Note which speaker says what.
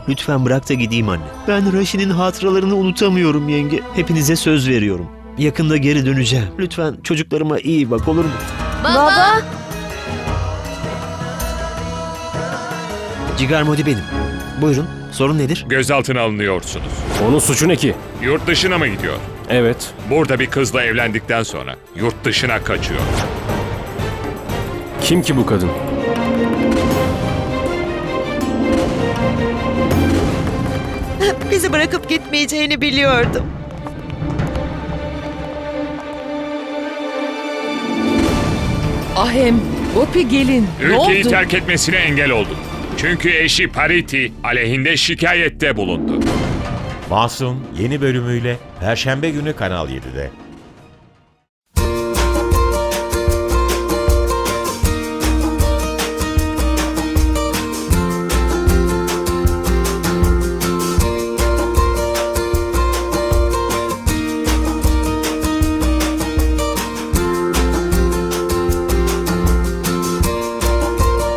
Speaker 1: Lütfen bırak da gideyim anne. Ben Raşi'nin hatıralarını unutamıyorum yenge. Hepinize söz veriyorum. Yakında geri döneceğim. Lütfen çocuklarıma iyi bak, olur mu?
Speaker 2: Baba!
Speaker 1: Cigar Modi benim. Buyurun, sorun nedir?
Speaker 3: Gözaltına alınıyorsunuz.
Speaker 4: Onun suçu ne ki?
Speaker 3: Yurt dışına mı gidiyor?
Speaker 4: Evet.
Speaker 3: Burada bir kızla evlendikten sonra yurt dışına kaçıyor.
Speaker 4: Kim ki bu kadın?
Speaker 5: Bizi bırakıp gitmeyeceğini biliyordum.
Speaker 6: Ahem, Gopi gelin. Ne
Speaker 3: Ülkeyi
Speaker 6: oldu?
Speaker 3: terk etmesine engel oldu. Çünkü eşi Pariti aleyhinde şikayette bulundu.
Speaker 7: Masum yeni bölümüyle Perşembe günü Kanal 7'de.